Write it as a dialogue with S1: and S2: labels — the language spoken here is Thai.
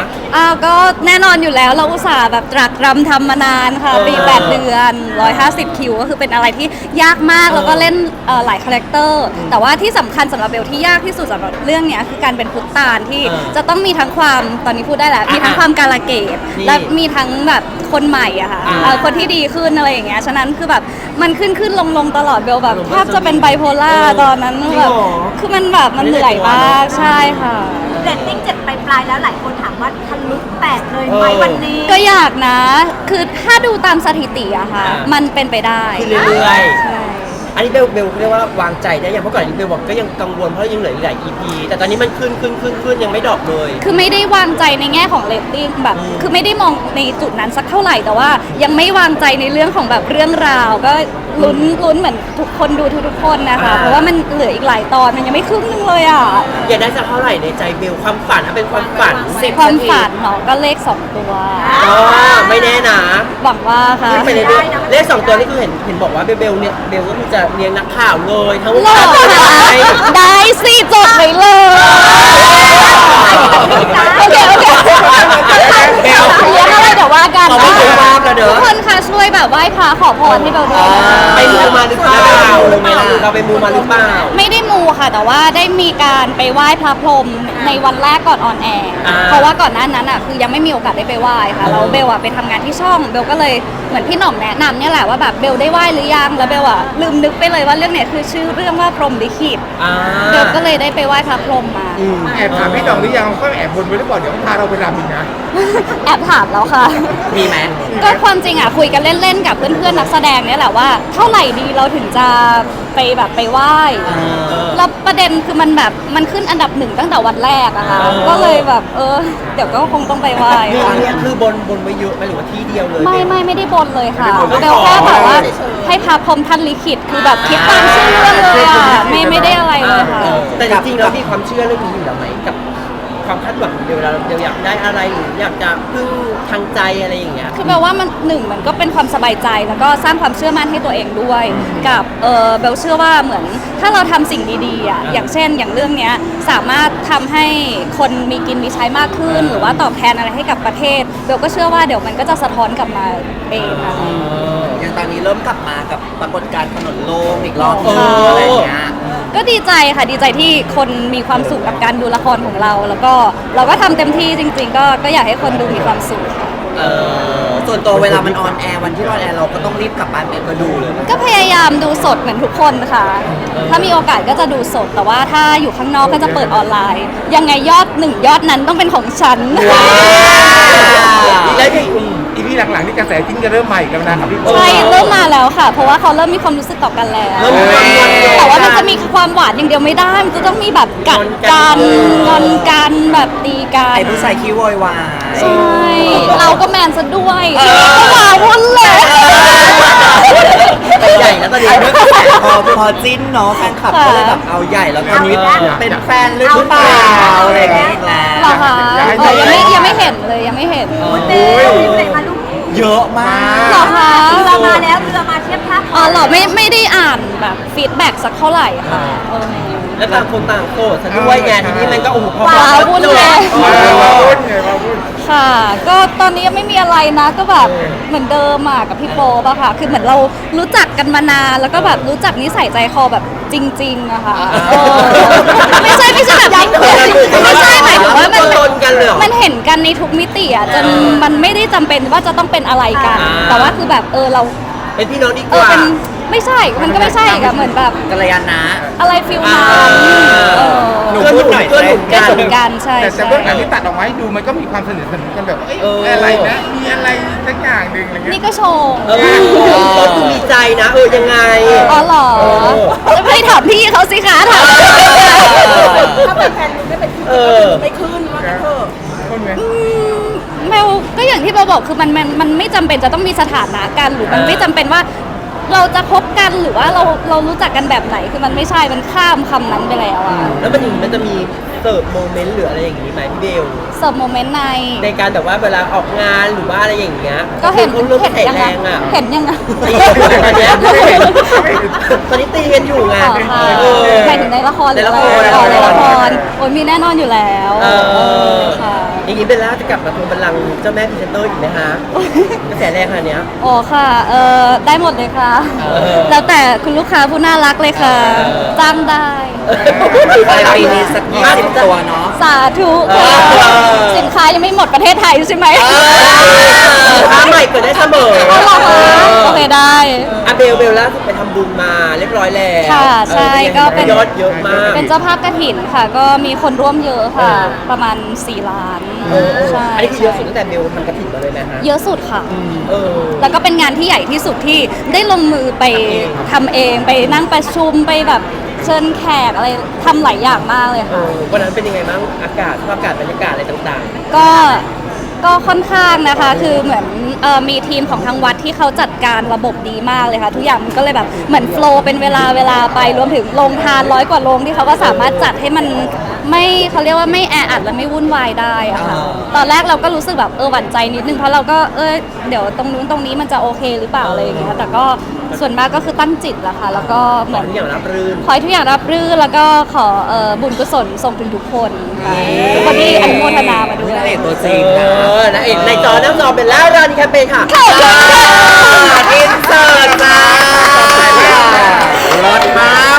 S1: ก็แน่นอนอยู่แล้วเราอุตส่าห์แบบตรักตรำทำมานานค่ะปี8 เดือน150 คิวก็คือเป็นอะไรที่ยากมากแล้วก็เล่นหลายคาแรคเตอร์แต่ว่าที่สำคัญสำหรับเบลที่ยากที่สุดสำหรับเรื่องนี้คือการเป็นพุทธตาลที่จะต้องมีทั้งความตอนนี้พูดได้แล้วมีทั้งความกาลเกตและมีทั้งแบบคนใหม่อะค่ะคนที่ดีขึ้นอะไรอย่างเงี้ยฉะนั้นคือแบบมันขึ้นลงตลอดเบลแบบแทบจะเป็นไบโพล่าตอนนั้นแบบคือมันแบบมันเหนื่อยมากใช่ค่ะ
S2: เรตติ้ง7ปลายแล้วหลายคนถามว่าทะลุ8เลยไหมวันนี้
S1: ก็อยากนะคือถ้าดูตามสถิติอะค่ะมันเป็นไปได้
S3: คือเรื่อยๆอันนี้เบลเรียกว่าวางใจได้ยังเพราะก่อนนี้เบลบอกก็ยังกังวลเพราะยังเหลืออีกหลาย EP แต่ตอนนี้มันขึ้นยังไม่ดรอปเลย
S1: คือไม่ได้วางใจในแง่ของเรตติ้งแบบคือไม่ได้มองในจุดนั้นสักเท่าไหร่แต่ว่ายังไม่วางใจในเรื่องของแบบเรื่องราวก็ลุ้นเหมือนทุกคนดูทุกคนนะคะเพราะว่ามันเหลืออีกหลายตอนมันยังไม่ครึ่งนึงเลยอ่ะ
S3: อยากได้สักเท่าไหร่ในใจเบลความฝันเป็นความฝัน
S1: ความฝันเนาะก็เลข2 ตัว
S3: ไม่แน่นะ
S1: หวังว่าค่ะ
S3: ไปเรื่อยๆเลข2 ตัวนี่คือเห็นบอกว่าเบลเนี่ยเบลก็คือจะเลี้ยงนักข่าวเลยทั้งวัน
S1: ได้สิจดไว้เลยโอเคเลี้ยงอะไรเดี๋ยวว่ากันทุกคนค่ะช่วยแบบไหว้พระขอพรให้เบลด้วย
S3: ไปมูมาหรือเปล่าเราไปมูมาหรือเปล่า
S1: ไม่ได้มูค่ะแต่ว่าได้มีการไปไหว้พระพรหมในวันแรกก่อนออนแอร์เพราะว่าก่อนหน้านั้นอ่ะคือยังไม่มีโอกาสได้ไปไหว้ค่ะแล้วเบลอ่ะไปทำงานที่ช่องเบลก็เลยเหมือนพี่หน่อมแนะนำเนี่ยแหละว่าแบบเบลได้ไหว้หรือยังแล้วเบลอ่ะลืมนึกไปเลยว่าเรื่องเนี้ยคือชื่อเรื่องว่าพรหมลิขิตเบลก็เลยได้ไปไหว้พระพรหมมา
S4: แอบถามพี่หน่องหรือยังก็แอบบนไว้หรือเปล่าเดี๋ยวพาเราไปรำอีกนะ
S1: แอบถามแล้วค่ะ
S3: มีไหม
S1: ก็ความจริงอ่ะคุยกันเล่นๆกับเพื่อนๆนักแสดงเนี่ยแหละว่าเท่าไหร่ดีเราถึงจะไปแบบไปไหว้แล้วประเด็นคือมันแบบมันขึ้นอันดับ1ตั้งแต่วันแรกอะค่ะก็เลยแบบเดี๋ยวก็คงต้องไปไหว้
S3: เนี่ยคือบนไว้เยอะไหมหรือว่าที่เดียวเลย
S1: ไม่ได้บนเลยค่ะเบลแค่แบบว่าให้พระพรหมท่านลิขิตคือแบบคิดตามชื่อเรื่องเลยอะไม่ได้อะไรเลยค่ะ
S3: แต่จริงๆเรามีความเชื่อเรื่องนี้อยู่แล้วไหมกับความคาดหวังเดี๋ยวอยากได้อะไรหรืออยากจะพึ่งทางใจอะไรอย่างเงี้ย
S1: คือแปลว่ามันมันก็เป็นความสบายใจแล้วก็สร้างความเชื่อมั่นให้ตัวเองด้วยกับเบลเชื่อว่าเหมือนถ้าเราทำสิ่งดีๆอ่ะอย่างเช่นอย่างเรื่องเนี้ยสามารถทำให้คนมีกินมีใช้มากขึ้นหรือว่าตอบแทนอะไรให้กับประเทศเบลก็เชื่อว่าเดี๋ยวมันก็จะสะท้อนกลับมาเองค่ะ
S5: อย่างตอนนี้เริ่มกลับมากับปรากฏการณ์ถนนโล่งอีกรอบอะไรอย่างเงี้ย
S1: ก็ดีใจค่ะดีใจที่คนมีความสุขกับการดูละครของเราแล้วก็เราก็ทำเต็มที่จริงๆก็อยากให้คนดูมีความสุข
S5: ส่วนตัวเวลามันออนแอร์วันที่ออนแอร์เราก็ต้องรีบกลับบ้านไปมาดูเลย
S1: ก็พยายามดูสดเหมือนทุกคนค่ะถ้ามีโอกาสก็จะดูสดแต่ว่าถ้าอยู่ข้างนอกก็จะเปิดออนไลน์ยังไงยอด1 ยอดนั้นต้องเป็นของฉัน
S4: แล้วอีพีหลังๆนี่กระแสจิ้นจะเริ่มใหม่แล้วนะครับพี่
S1: ใช่เริ่มมาแล้วค่ะเพราะว่าเขาเริ่มมีความรู้สึกต่อกันแล้วแต่ว่ามันจะมีความหวานอย่างเดียวไม่ได้มันจะต้องมีแบบกัดกันงอนกันแบบตีกัน
S5: ไอ้ผู้ชายขี้โวยวาย
S1: ใช่เราก็แมนซะด้วยก็หวานวุ่นเลย
S5: ใหญ่แล้วตอนนี้พอจิ้นเนาะแฟนคลับก็เลยแบบเอาใหญ่แล้วตอนนี้เป็นแฟนหรือเปล่าอะไรอย่างเงี้ยแล้ว
S1: หรอคะยังไม่เห็นเลยยังไม่เห็น
S5: เยอะมาก
S1: หรอคะ
S2: เรือมาแล้วเรือมาเทียบท่า
S1: หรอไม่ได้อ่านแบบฟีดแบ็กสักเท่าไหร่ค่ะ
S3: แล้วต่างคนต่างโสดซะด้วยไงทีนี้มันก็พอ
S1: วุ่นเลยค่ะก็ตอนนี้ยังไม่มีอะไรนะก็แบบเหมือนเดิมอ่ะกับพี่โป๊ปอะค่ะคือเหมือนเรารู้จักกันมานานแล้วก็แบบรู้จักนิสัยใจคอแบบจริงๆอะค่ะไม่ใช่แบบไม่ใช่หมายถึงว่ามันเห็นกันในทุกมิติอะจนมันไม่ได้จำเป็นว่าจะต้องเป็นอะไรกันแต่ว่าคือแบบเรา
S3: เป็นพี่น้องดีกว่า
S1: ไม่ใช่มันก็ไม่ใช่กับเหมือนแบบ
S5: กัลยาณะ
S1: อะไรฟิลนั้น
S5: หนูพูดหน่อย
S1: ก็สนกันใช่
S4: แต่เบื้องหลังที่ตัดออกมาให้ดูมันก็มีความสนิทสนมกันแบบอะไรนะมีอะไรสักอย่างหนึ่งอะไรเงี้ย
S1: นี่ก็โชว์
S3: ก็คือมีใจนะยังไง
S1: อ๋อเหรอไม่ถามพี่เขาสิคะถาม
S2: ถ้าเป็นแฟนมึงไม่เป็นไม่ขึ้นว่ากันเถอะ
S1: แมวก็อย่างที่เราบอกคือมันไม่จำเป็นจะต้องมีสถานะกันหรือมันไม่จำเป็นว่าเราจะคบกันหรือว่าเรารู้จักกันแบบไหนคือมันไม่ใช่มันข้ามคำนั้นไปแล้วอะ
S3: แล้วมันจะมีเสิร์ฟโมเมนต์หรืออะไรอย่างนี้ไหมพี่เบล
S1: เสิร์ฟโมเมนต์
S3: ในการแบบว่าเวลาออกงานหรือว่าอะไรอย่างเงี้ย
S1: ก็เห็น
S3: ยังไง
S1: เห็นยังไง
S3: ตอนนี้ตีกันอยู่ไง
S1: หมายถึงในละครหรืออะไรในละครโอ้ยมีแน่นอนอยู่แล้ว
S3: อย่างนี้นี้เบลล่าจะกลับมาทวงบัลลังก์เจ้าแม่พรีเซนเตอร์อีกไหมฮะกระแสแรงขนาดเนี้ย
S1: อ๋อค่ะได้หมดเลยค่ะ แล้วแต่คุณลูกค้าผู้น่ารักเลยค่ะ จ้างได้
S5: ปลายปีนี้สัก20 ตัวเนาะ
S1: สาธุค่ะ
S3: เออ
S1: สินค้ายังไม่หมดประเทศไทยใช่ไหม
S3: ถ้าใหม่เกิดได้เสมอ
S1: เอาเหรอคะโอเคได้
S3: อะเบลล่าสุดไปทำบุญมาเรียบร้อยแล้ว
S1: ค่ะใช่ก็เป็น
S3: ยอดเยอะมาก
S1: เป็นเจ้าภาพกฐินค่ะ ก็มีคนร่วมเยอะค่ะ ประมาณ 4 ล้าน ใช่
S3: อันนี้คือเยอะสุดตั้งแต่เบลทำกระถิ่นมาเลยนะฮะ
S1: เยอะสุดค่ะ
S3: เออ
S1: แล้วก็เป็นงานที่ใหญ่ที่สุดที่ได้ลงมือไปทำเองไปนั่งประชุมไปแบบเชิญแขกอะไรทำหลายอย่างมากเลยค่ะ
S3: วันนั้นเป็นยังไงบ้างอากาศสภาพอากาศบรรยากาศอะไรต่าง
S1: ก็ค่อนข้างนะคะ คือเหมือนมีทีมของทางวัดที่เขาจัดการระบบดีมากเลยค่ะ ทุกอย่างมันก็เลยแบบเหมือนโฟลว์เป็นเวลาไปรวมถึงโรงทาน100 กว่าโรงที่เขาก็สามารถจัดให้มันไม่เขาเรียกว่าไม่แออัดและไม่วุ่นวายได้อะค่ะตอนแรกเราก็รู้สึกแบบหวั่นใจนิดนึงเพราะเราก็เดี๋ยวตรงนู้นตรงนี้มันจะโอเคหรือเปล่าอะไรอย่างเงี้ยแต่ก็ส่วนมากก็คือตั้งจิตแหละค่ะแล้วก็
S3: ๆ
S1: เห
S3: ข
S1: มื
S3: อ
S1: อน
S3: ทุกอย่างรับรื่น
S1: ขอให้ทุกอย่างรับรื่นแล้วก็ขอบุญกุศลส่งถึงทุกคนค่ะทุกคนที่อนุโมทนามาด้วย
S5: นางเอกตัวจริงนะ
S3: นะเอกในจอน้ำจอเป็นแล้วรานีแคมเปญค่ะ
S1: ขอบคุณค่ะ
S5: อินเสิร์ตจ้ารถมาก